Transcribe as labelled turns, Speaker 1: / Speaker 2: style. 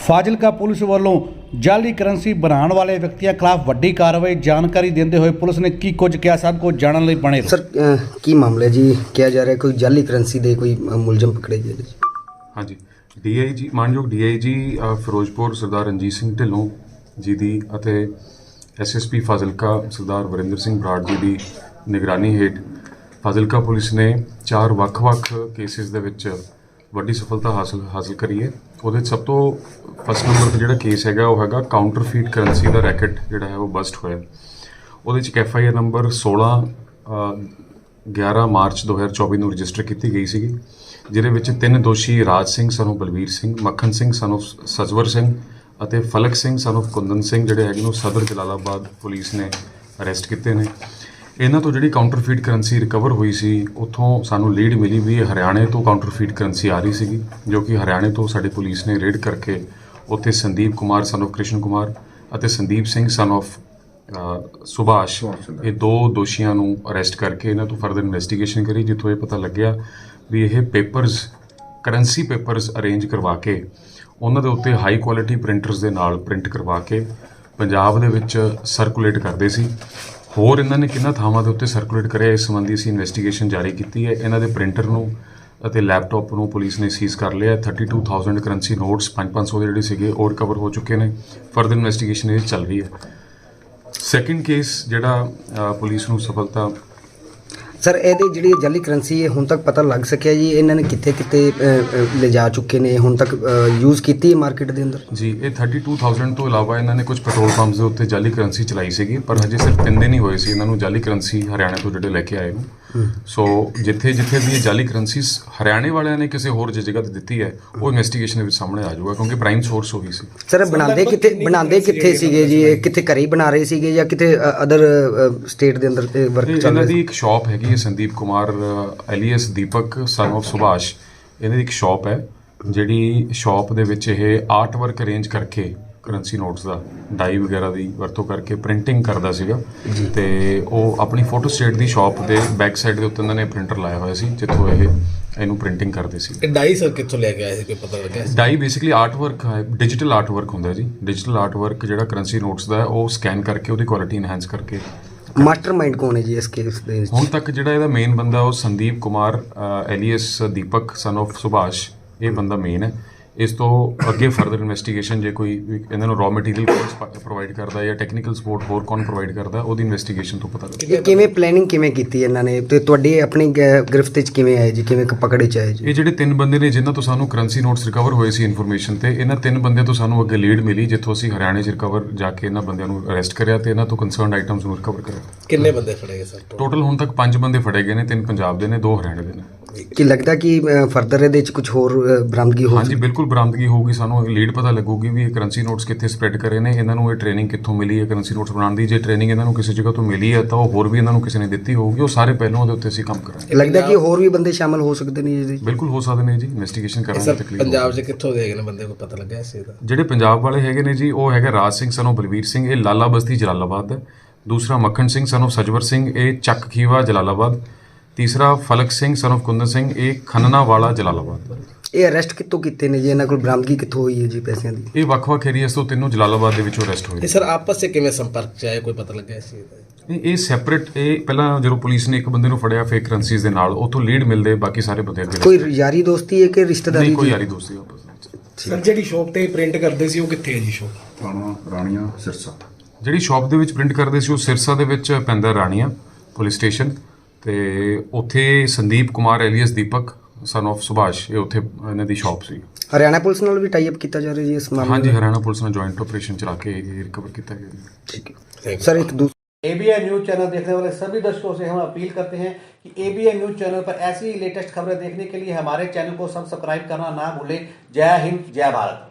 Speaker 1: Fazilka police ਵੱਲੋਂ ਜਾਲੀ currency ਬਣਾਉਣ ਵਾਲੇ ਵਿਅਕਤੀਆਂ ਖਿਲਾਫ ਵੱਡੀ ਕਾਰਵਾਈ। ਜਾਣਕਾਰੀ ਦਿੰਦੇ ਹੋਏ ਪੁਲਿਸ ਨੇ ਕੀ ਕੁਝ ਕਿਹਾ, ਸਭ ਕੁਝ ਜਾਣਨ ਲਈ ਬਣੇ ਰਹੋ।
Speaker 2: सर की मामला है जी? किया जा रहा है कोई जाली करेंसी दे कोई मुलजम पकड़े गए जी?
Speaker 3: हाँ जी, DIG ਮਾਨਯੋਗ DIG ਫਿਰੋਜ਼ਪੁਰ ਸਰਦਾਰ ਰਣਜੀਤ ਸਿੰਘ ਢਿੱਲੋਂ ਜੀ ਦੀ ਅਤੇ SSP ਫਾਜ਼ਿਲਕਾ ਸਰਦਾਰ ਵਰਿੰਦਰ ਸਿੰਘ ਬਰਾੜ ਜੀ ਦੀ ਨਿਗਰਾਨੀ ਹੇਠ ਫਾਜ਼ਿਲਕਾ ਪੁਲਿਸ ਨੇ 4 ਵੱਖ-ਵੱਖ ਕੇਸਿਸ ਦੇ ਵਿੱਚ ਵੱਡੀ ਸਫਲਤਾ ਹਾਸਲ ਕਰੀ ਹੈ। ਉਹਦੇ 'ਚ ਸਭ ਤੋਂ ਫਸਟ ਨੰਬਰ 'ਤੇ ਜਿਹੜਾ ਕੇਸ ਹੈਗਾ ਉਹ ਹੈਗਾ ਕਾਊਂਟਰਫੀਟ ਕਰੰਸੀ ਦਾ ਰੈਕਟ ਜਿਹੜਾ ਹੈ ਉਹ ਬਸਟ ਹੋਇਆ। ਉਹਦੇ 'ਚ ਇੱਕ FIR ਨੰਬਰ 11 ਮਾਰਚ 2024 ਨੂੰ ਰਜਿਸਟਰ ਕੀਤੀ ਗਈ ਸੀਗੀ, ਜਿਹਦੇ ਵਿੱਚ 3 ਦੋਸ਼ੀ ਰਾਜ ਸਿੰਘ ਸਾਨੂੰ ਬਲਵੀਰ ਸਿੰਘ, ਮੱਖਣ ਸਿੰਘ ਸਾਨੂੰ ਸਜਵਰ ਸਿੰਘ ਅਤੇ ਫਲਕ ਸਿੰਘ ਸਾਨੂੰ ਕੁੰਦਨ ਸਿੰਘ ਜਿਹੜੇ ਹੈਗੇ ਨੂੰ ਸਦਰ ਜਲਾਲਾਬਾਦ ਪੁਲਿਸ ਨੇ ਅਰੈਸਟ ਕੀਤੇ ਨੇ। ਇਹਨਾਂ ਤੋਂ ਜਿਹੜੀ ਕਾਊਂਟਰਫੀਟ ਕਰੰਸੀ ਰਿਕਵਰ ਹੋਈ ਸੀ, ਉੱਥੋਂ ਸਾਨੂੰ ਲੀਡ ਮਿਲੀ ਵੀ ਇਹ ਹਰਿਆਣੇ ਤੋਂ ਕਾਊਂਟਰਫੀਟ ਕਰੰਸੀ ਆ ਰਹੀ ਸੀਗੀ, ਜੋ ਕਿ ਹਰਿਆਣੇ ਤੋਂ ਸਾਡੀ ਪੁਲਿਸ ਨੇ ਰੇਡ ਕਰਕੇ ਉੱਥੇ ਸੰਦੀਪ ਕੁਮਾਰ ਸਨ ਆਫ ਕ੍ਰਿਸ਼ਨ ਕੁਮਾਰ ਅਤੇ ਸੰਦੀਪ ਸਿੰਘ ਸਨ ਆਫ ਸੁਭਾਸ਼, ਇਹ 2 ਦੋਸ਼ੀਆਂ ਨੂੰ ਅਰੈਸਟ ਕਰਕੇ ਇਹਨਾਂ ਤੋਂ ਫਰਦਰ ਇਨਵੈਸਟੀਗੇਸ਼ਨ ਕਰੀ, ਜਿੱਥੋਂ ਇਹ ਪਤਾ ਲੱਗਿਆ ਵੀ ਇਹ ਕਰੰਸੀ ਪੇਪਰਸ ਅਰੇਂਜ ਕਰਵਾ ਕੇ ਉਹਨਾਂ ਦੇ ਉੱਤੇ ਹਾਈ ਕੁਆਲਿਟੀ ਪ੍ਰਿੰਟਰਸ ਦੇ ਨਾਲ ਪ੍ਰਿੰਟ ਕਰਵਾ ਕੇ ਪੰਜਾਬ ਦੇ ਵਿੱਚ ਸਰਕੂਲੇਟ ਕਰਦੇ ਸੀ। ਹੋਰ ਇਹਨਾਂ ਨੇ ਕਿੰਨਾ ਥਾਵਾਂ ਦੇ ਉੱਤੇ ਸਰਕੂਲੇਟ ਕਰਿਆ, ਇਸ ਸੰਬੰਧੀ ਅਸੀਂ ਇਨਵੈਸਟੀਗੇਸ਼ਨ ਜਾਰੀ ਕੀਤੀ ਹੈ। ਇਹਨਾਂ ਦੇ ਪ੍ਰਿੰਟਰ ਨੂੰ ਅਤੇ ਲੈਪਟਾਪ ਨੂੰ ਪੁਲਿਸ ਨੇ ਸੀਜ਼ ਕਰ ਲਿਆ। 32,000 ਕਰੰਸੀ ਨੋਟਸ 500 ਦੇ ਜਿਹੜੇ ਸੀਗੇ ਉਹ ਰਿਕਵਰ ਹੋ ਚੁੱਕੇ ਨੇ। ਫਰਦਰ ਇਨਵੈਸਟੀਗੇਸ਼ਨ ਇਹ ਚੱਲ ਰਹੀ ਹੈ। ਸੈਕਿੰਡ ਕੇਸ ਜਿਹੜਾ ਪੁਲਿਸ ਨੂੰ ਸਫਲਤਾ
Speaker 2: ਸਰ ਇਹਦੇ ਜਿਹੜੀ ਜਾਲੀ ਕਰੰਸੀ ਹੈ ਹੁਣ ਤੱਕ ਪਤਾ ਲੱਗ ਸਕਿਆ ਜੀ ਇਹਨਾਂ ਨੇ ਕਿੱਥੇ ਲਿਜਾ ਚੁੱਕੇ ਨੇ, ਹੁਣ ਤੱਕ ਯੂਜ਼ ਕੀਤੀ ਹੈ ਮਾਰਕੀਟ ਦੇ ਅੰਦਰ
Speaker 3: ਜੀ? ਇਹ 32,000 ਤੋਂ ਇਲਾਵਾ ਇਹਨਾਂ ਨੇ ਕੁਝ ਪੈਟਰੋਲ ਪੰਪਸ ਦੇ ਉੱਤੇ ਜਾਲੀ ਕਰੰਸੀ ਚਲਾਈ ਸੀਗੀ, ਪਰ ਹਜੇ ਸਿਰਫ 3 ਦਿਨ ਹੀ ਹੋਏ ਸੀ ਇਹਨਾਂ ਨੂੰ ਜਾਲੀ ਕਰੰਸੀ ਹਰਿਆਣਾ ਤੋਂ ਜਿਹੜੇ ਲੈ ਕੇ ਆਏ ਨੂੰ। ਸੋ ਜਿੱਥੇ ਵੀ ਇਹ ਜਾਲੀ ਕਰੰਸੀ ਹਰਿਆਣੇ ਵਾਲਿਆਂ ਨੇ ਕਿਸੇ ਹੋਰ ਜਗ੍ਹਾ ਤੇ ਦਿੱਤੀ ਹੈ, ਉਹ ਇਨਵੈਸਟੀਗੇਸ਼ਨ ਦੇ ਵਿੱਚ ਸਾਹਮਣੇ ਆ ਜਾਊਗਾ, ਕਿਉਂਕਿ ਪ੍ਰਾਈਮ ਸੋਰਸ ਉਹੀ ਸੀ।
Speaker 2: ਸਰ ਬਣਾਉਂਦੇ ਕਿੱਥੇ ਸੀਗੇ ਜੀ? ਇਹ ਕਿੱਥੇ ਘਰੇ ਹੀ ਬਣਾ ਰਹੇ ਸੀਗੇ ਜਾਂ ਕਿਤੇ ਅਦਰ ਸਟੇਟ ਦੇ ਅੰਦਰ ਵਰਕ ਚੱਲ ਰਿਹਾ?
Speaker 3: ਇਹਨਾਂ ਦੀ ਇੱਕ ਸ਼ਾਪ ਹੈਗੀ ਹੈ Sandeep Kumar alias Deepak son of Subhash, ਇਹਨਾਂ ਦੀ ਇੱਕ ਸ਼ਾਪ ਹੈ, ਜਿਹੜੀ ਸ਼ਾਪ ਦੇ ਵਿੱਚ ਇਹ ਆਰਟ ਵਰਕ ਅਰੇਂਜ ਕਰਕੇ ਕਰੰਸੀ ਨੋਟਸ ਦਾ ਡਾਈ ਵਗੈਰਾ ਦੀ ਵਰਤੋਂ ਕਰਕੇ ਪ੍ਰਿੰਟਿੰਗ ਕਰਦਾ ਸੀਗਾ। ਤੇ ਉਹ ਆਪਣੀ ਫੋਟੋ ਸਟੇਟ ਦੀ ਸ਼ਾਪ ਦੇ ਬੈਕ ਸਾਈਡ ਦੇ ਉੱਤੇ ਉਹਨਾਂ ਨੇ ਪ੍ਰਿੰਟਰ ਲਾਇਆ ਹੋਇਆ ਸੀ, ਜਿੱਥੋਂ ਇਹਨੂੰ ਪ੍ਰਿੰਟਿੰਗ ਕਰਦੇ ਸੀ।
Speaker 4: ਇਹ ਡਾਈ ਸਰ ਕਿੱਥੋਂ ਲੈ ਕੇ ਆਏ ਸੀ, ਕੋਈ ਪਤਾ ਲੱਗਿਆ?
Speaker 3: ਡਾਈ ਬੇਸਿਕਲੀ ਆਰਟ ਵਰਕ ਹੈ, ਡਿਜੀਟਲ ਆਰਟ ਵਰਕ ਹੁੰਦਾ ਜੀ। ਡਿਜੀਟਲ ਆਰਟ ਵਰਕ ਜਿਹੜਾ ਕਰੰਸੀ ਨੋਟਸ ਦਾ ਉਹ ਸਕੈਨ ਕਰਕੇ ਉਹਦੀ ਕੁਆਲਿਟੀ ਇਨਹੈਂਸ ਕਰਕੇ।
Speaker 2: ਮਾਸਟਰਮਾਈਂਡ ਕੌਣ ਹੈ ਜੀ ਇਸ ਕੇਸ ਦੇ ਵਿੱਚ?
Speaker 3: ਹੁਣ ਤੱਕ ਜਿਹੜਾ ਇਹਦਾ ਮੇਨ ਬੰਦਾ ਉਹ Sandeep Kumar alias Deepak son of Subhash, ਇਹ ਬੰਦਾ ਮੇਨ ਹੈ। ਇਸ ਤੋਂ ਅੱਗੇ ਫਰਦਰ ਇਨਵੈਸਟੀਗੇਸ਼ਨ ਜੇ ਕੋਈ ਇਹਨਾਂ ਨੂੰ ਰॉ ਮਟੀਰੀਅਲ ਪ੍ਰੋਵਾਈਡ ਕਰਦਾ ਜਾਂ ਟੈਕਨੀਕਲ ਸਪੋਰਟ ਹੋਰ ਕੌਣ ਪ੍ਰੋਵਾਈਡ ਕਰਦਾ, ਉਹਦੀ ਇਨਵੈਸਟੀਗੇਸ਼ਨ ਤੋਂ ਪਤਾ ਲੱਗੇਗਾ।
Speaker 2: ਇਹ ਕਿਵੇਂ ਪਲੈਨਿੰਗ ਕਿਵੇਂ ਕੀਤੀ ਇਹਨਾਂ ਨੇ ਤੇ ਤੁਹਾਡੀ ਆਪਣੀ ਗ੍ਰਿਫਤ ਵਿੱਚ ਕਿਵੇਂ ਆਏ ਜੀ, ਕਿਵੇਂ ਪਕੜੇ ਚ ਆਏ ਜੀ?
Speaker 3: ਇਹ ਜਿਹੜੇ 3 ਬੰਦੇ ਨੇ ਜਿਨ੍ਹਾਂ ਤੋਂ ਸਾਨੂੰ ਕਰੰਸੀ ਨੋਟਸ ਰਿਕਵਰ ਹੋਏ ਸੀ ਇਨਫੋਰਮੇਸ਼ਨ ਤੇ, ਇਹਨਾਂ 3 ਬੰਦੇ ਤੋਂ ਸਾਨੂੰ ਅੱਗੇ ਲੀਡ ਮਿਲੀ, ਜਿੱਥੋਂ ਅਸੀਂ ਹਰਿਆਣੇ 'ਚ ਰਿਕਵਰ ਜਾ ਕੇ ਇਹਨਾਂ ਬੰਦਿਆਂ ਨੂੰ ਅਰੈਸਟ ਕਰਿਆ ਤੇ ਇਹਨਾਂ ਤੋਂ ਕੰਸਰਨਡ ਆਈਟਮਸ ਨੂੰ ਰਿਕਵਰ ਕਰਿਆ।
Speaker 4: ਕਿੰਨੇ ਬੰਦੇ ਫੜੇ ਗਏ ਸਰ?
Speaker 3: ਟੋਟਲ ਹੁਣ ਤੱਕ 5 ਬੰਦੇ ਫੜੇ ਗਏ ਨੇ, 3 ਪੰਜਾਬ ਦੇ ਨੇ, 2 ਹਰਿਆਣੇ ਦੇ ਨੇ।
Speaker 2: ਕੀ ਲੱਗਦਾ ਕਿ ਫਰਦਰ ਇਹਦੇ ਵਿੱਚ ਕੁਝ ਹੋਰ ਬਰਾਮਦਗੀ ਹੋ?
Speaker 3: ਹਾਂਜੀ ਬਿਲਕੁਲ ਬਰਾਮਦਗੀ ਹੋਊਗੀ, ਸਾਨੂੰ ਲੀਡ ਪਤਾ ਲੱਗੂਗੀ ਵੀ ਇਹ ਕਰੰਸੀ ਨੋਟਸ ਕਿੱਥੇ ਸਪਰੈਡ ਕਰੇ ਨੇ, ਇਹਨਾਂ ਨੂੰ ਇਹ ਟ੍ਰੇਨਿੰਗ ਕਿੱਥੋਂ ਮਿਲੀ ਹੈ ਕਰੰਸੀ ਨੋਟਸ ਬਣਾਉਣ ਦੀ। ਜੇ ਟ੍ਰੇਨਿੰਗ ਇਹਨਾਂ ਨੂੰ ਕਿਸੇ ਜਗ੍ਹਾ ਤੋਂ ਮਿਲੀ ਹੈ ਤਾਂ ਉਹ ਹੋਰ ਵੀ ਇਹਨਾਂ ਨੂੰ ਕਿਸੇ ਨੇ ਦਿੱਤੀ ਹੋਊਗੀ, ਉਹ ਸਾਰੇ ਪਹਿਲੂਆਂ ਦੇ ਉੱਤੇ ਅਸੀਂ ਕੰਮ ਕਰਾਂਗੇ।
Speaker 2: ਲੱਗਦਾ ਕਿ ਹੋਰ ਵੀ ਬੰਦੇ ਸ਼ਾਮਲ ਹੋ ਸਕਦੇ ਨੇ ਜੀ?
Speaker 3: ਬਿਲਕੁਲ ਹੋ ਸਕਦੇ ਨੇ ਜੀ, ਇਨਵੈਸਟੀਗੇਸ਼ਨ ਕਰਾਂਗੇ। ਤਕਲੀਫ
Speaker 4: ਪੰਜਾਬ 'ਚ ਕਿੱਥੋਂ ਦੇ ਗਏ ਨੇ ਬੰਦੇ, ਕੋਈ ਪਤਾ ਲੱਗਿਆ ਇਸ ਚੀਜ਼ ਦਾ?
Speaker 3: ਜਿਹੜੇ ਪੰਜਾਬ ਵਾਲੇ ਹੈਗੇ ਨੇ ਜੀ, ਉਹ ਹੈਗਾ ਰਾਜ ਸਿੰਘ ਸਾਨੂੰ ਬਲਵੀਰ ਸਿੰਘ, ਇਹ ਲਾਲਾ ਬਸਤੀ ਜਲਾਲਾਬਾਦ ਹੈ। ਦੂਸਰਾ ਮੱਖਣ ਸਿੰਘ ਸਾਨੂੰ ਸਜਵਰ ਸਿੰਘ, ਇਹ ਚੱਕ ਖੀਵਾ ਜਲਾਲਾਬਾਦ। ਤੀਸਰਾ ਫਲਕ ਸਿੰਘ ਸਨ ਆਫ ਕੁੰਦਨ ਸਿੰਘ, ਇਹ ਖੰਨਾ ਵਾਲਾ ਜਲਾਲਾਬਾਦ।
Speaker 2: ਇਹ ਅਰੈਸਟ ਕਿੱਥੋਂ ਕੀਤੇ ਨੇ ਜੀ? ਇਹਨਾਂ ਕੋਲ ਬਰਾਮਦਗੀ ਕਿੱਥੋਂ ਹੋਈ ਹੈ ਜੀ ਪੈਸਿਆਂ ਦੀ?
Speaker 3: ਇਹ ਵੱਖ-ਵੱਖ ਏਰੀਆਸ ਤੋਂ ਤਿੰਨੋਂ ਜਲਾਲਾਬਾਦ ਦੇ ਵਿੱਚੋਂ ਅਰੈਸਟ ਹੋਏ।
Speaker 4: ਇਹ ਸਰ ਆਪਸ 'ਚ ਕਿਵੇਂ ਸੰਪਰਕ 'ਚ ਆਏ, ਕੋਈ ਪਤਾ ਲੱਗਿਆ ਇਸ ਚੀਜ਼ ਦਾ?
Speaker 3: ਇਹ ਸੈਪਰੇਟ, ਇਹ ਪਹਿਲਾਂ ਜਦੋਂ ਪੁਲਿਸ ਨੇ ਇੱਕ ਬੰਦੇ ਨੂੰ ਫੜਿਆ ਫੇਕ ਕਰੰਸੀਜ਼ ਦੇ ਨਾਲ, ਉੱਥੋਂ ਲੀਡ ਮਿਲਦੇ ਬਾਕੀ ਸਾਰੇ ਬੰਦੇ ਅੱਗੇ।
Speaker 2: ਕੋਈ ਯਾਰੀ ਦੋਸਤੀ ਹੈ ਕਿ ਰਿਸ਼ਤੇਦਾਰੀ?
Speaker 3: ਨਹੀਂ, ਕੋਈ ਯਾਰੀ ਦੋਸਤੀ ਆਪਸ ਵਿੱਚ।
Speaker 4: ਸਰ ਜਿਹੜੀ ਸ਼ਾਪ ਤੇ ਪ੍ਰਿੰਟ ਕਰਦੇ ਸੀ ਉਹ ਕਿੱਥੇ ਹੈ ਜੀ ਸ਼ਾਪ?
Speaker 5: ਰਾਣੀਆਂ ਸਿਰਸਾ।
Speaker 3: ਜਿਹੜੀ ਸ਼ਾਪ ਦੇ ਵਿੱਚ ਪ੍ਰਿੰਟ ਕਰਦੇ ਸੀ ਉਹ ਸਿਰਸਾ ਦੇ ਵਿੱਚ ਪੈਂਦਾ ਰਾਣੀਆਂ ਪੁਲਿਸ ਸਟੇਸ਼ਨ, ਤੇ ਉੱਥੇ Sandeep Kumar alias Deepak son of Subhash, ਇਹ ਉੱਥੇ ਇਹਨਾਂ ਦੀ ਸ਼ਾਪ ਸੀ।
Speaker 2: ਹਰਿਆਣਾ ਪੁਲਿਸ ਨਾਲ ਵੀ ਟਾਈ ਅਪ ਕੀਤਾ ਜਾ ਰਿਹਾ ਜੀ ਇਸ ਮਾਮਲੇ?
Speaker 3: ਹਾਂਜੀ, ਹਰਿਆਣਾ ਪੁਲਿਸ ਨਾਲ ਜੁਆਇੰਟ ਆਪਰੇਸ਼ਨ ਚਲਾ ਕੇ ਇਹ ਰਿਕਵਰ ਕੀਤਾ ਗਿਆ।
Speaker 2: ठीक है सर। एक
Speaker 1: ABN न्यूज चैनल देखने वाले सभी दर्शकों से हम अपील करते हैं कि ABN न्यूज चैनल पर ऐसी ही लेटेस्ट खबरें देखने के लिए हमारे चैनल को सब्सक्राइब करना ना भूलें। जय हिंद, जय भारत।